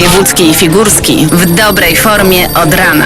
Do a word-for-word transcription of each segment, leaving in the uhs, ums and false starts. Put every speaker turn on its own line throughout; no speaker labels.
Wojewódzki i Figurski w dobrej formie od rana.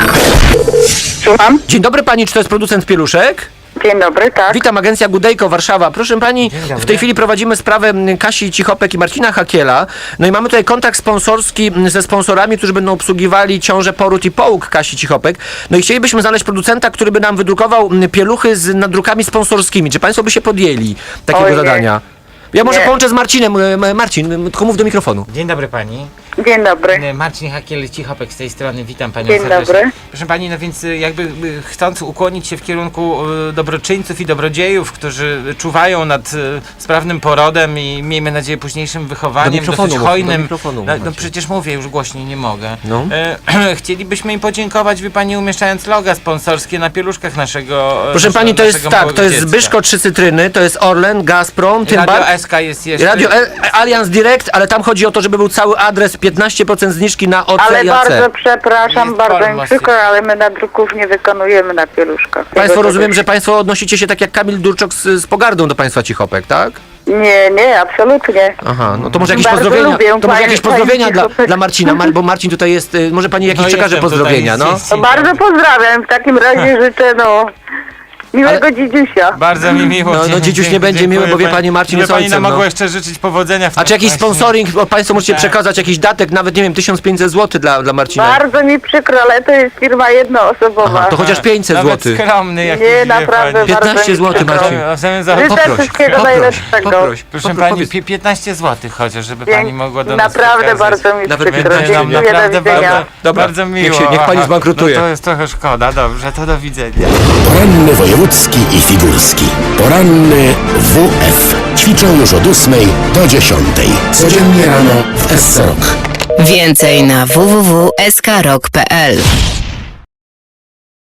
Słucham?
Dzień dobry pani, czy to jest producent pieluszek?
Dzień dobry, tak.
Witam, agencja Gudejko, Warszawa. Proszę pani, w tej chwili prowadzimy sprawę m, Kasi Cichopek i Marcina Hakiela. No i mamy tutaj kontakt sponsorski m, ze sponsorami, którzy będą obsługiwali ciążę, poród i połóg Kasi Cichopek. No i chcielibyśmy znaleźć producenta, który by nam wydrukował m, pieluchy z nadrukami sponsorskimi. Czy państwo by się podjęli takiego
Ojej.
zadania? Ja może
Nie.
połączę z Marcinem. M, Marcin, m, tylko mów do mikrofonu.
Dzień dobry pani.
Dzień dobry.
Marcin Hakiel, Cichopek z tej strony, witam panią
Dzień
serdecznie.
dobry.
Proszę pani, no więc y, jakby y, chcąc ukłonić się w kierunku y, dobroczyńców i dobrodziejów, którzy czuwają nad y, sprawnym porodem i miejmy nadzieję późniejszym wychowaniem,
mikrofonu
dosyć
mów, do
hojnym.
mikrofonu mów,
no, no
Marcin.
przecież mówię, już głośniej nie mogę.
No.
E, chcielibyśmy im podziękować, wie pani, umieszczając loga sponsorskie na pieluszkach naszego
Proszę
naszego,
pani, to jest
naszego
tak,
małego
to jest
dziecka.
Zbyszko Trzy Cytryny, to jest Orlen, Gazprom, tym
Radio
bar-
S K jest jeszcze.
Radio E- Allianz Direct, ale tam chodzi o to, żeby był cały adres, piętnaście procent zniżki na O C
Ale
i A C.
bardzo przepraszam,
Jest
bardzo mi
farmacja.
przykro, ale my nadruków nie wykonujemy na pieluszkach.
Państwo
Tego
rozumiem,
też-
że państwo odnosicie się tak jak Kamil Durczok z, z pogardą do państwa Cichopek, tak?
Nie, nie, absolutnie.
Aha, no to może jakieś
Bardzo
pozdrowienia,
lubię
to może
pani-
jakieś
pani
pozdrowienia dla,
Cichopek.
dla Marcina, Mar- bo Marcin tutaj jest, y, może pani jakieś
No
przekaże
jestem tutaj,
pozdrowienia,
jest-
no?
jest-
To bardzo pozdrawiam. W takim razie życzę, no, miłego dzidziusia.
Bardzo mi miło.
No, no,
Dziękuję,
dziś nie będzie
dziękuję
miły, bo wie
pani-
pani, Marcin
Ile
jest
pani
ojcem,
nam mogła
no.
jeszcze życzyć powodzenia w
A czy jakiś
właśnie-
sponsoring, o, państwo możecie
Tak.
przekazać jakiś datek, nawet nie wiem, tysiąc pięćset złotych dla, dla Marcina?
Bardzo mi przykro, ale to jest firma jednoosobowa.
Aha, to chociaż pięćset
Nawet
złotych.
skromny, jak
Nie,
wie
naprawdę
pani.
bardzo
piętnaście
mi
złotych,
przykro.
Marcin.
A w zamian za...
Życzę
Poproś,
wszystkiego
poproś,
najlepszego.
poproś.
Proszę
Popro-
pani,
powiedz.
pi- piętnaście złotych chociaż, żeby
Dzięki.
pani mogła do nas
Naprawdę
przekazać.
bardzo mi
Nawet
przykro.
będzie nam
Dziękuję, do
naprawdę
widzenia.
bardzo,
Dobra,
bardzo
niech
miło.
się- niech pani
Aha,
zbankrutuje.
No to jest trochę szkoda, dobrze, to do widzenia.
Poranny wojewódzki i figurski. Poranny W F. Ćwiczą już od ósmej do dziesiątej. Codziennie rano w S C Rock.
Więcej na w w w kropka s k rock kropka p l.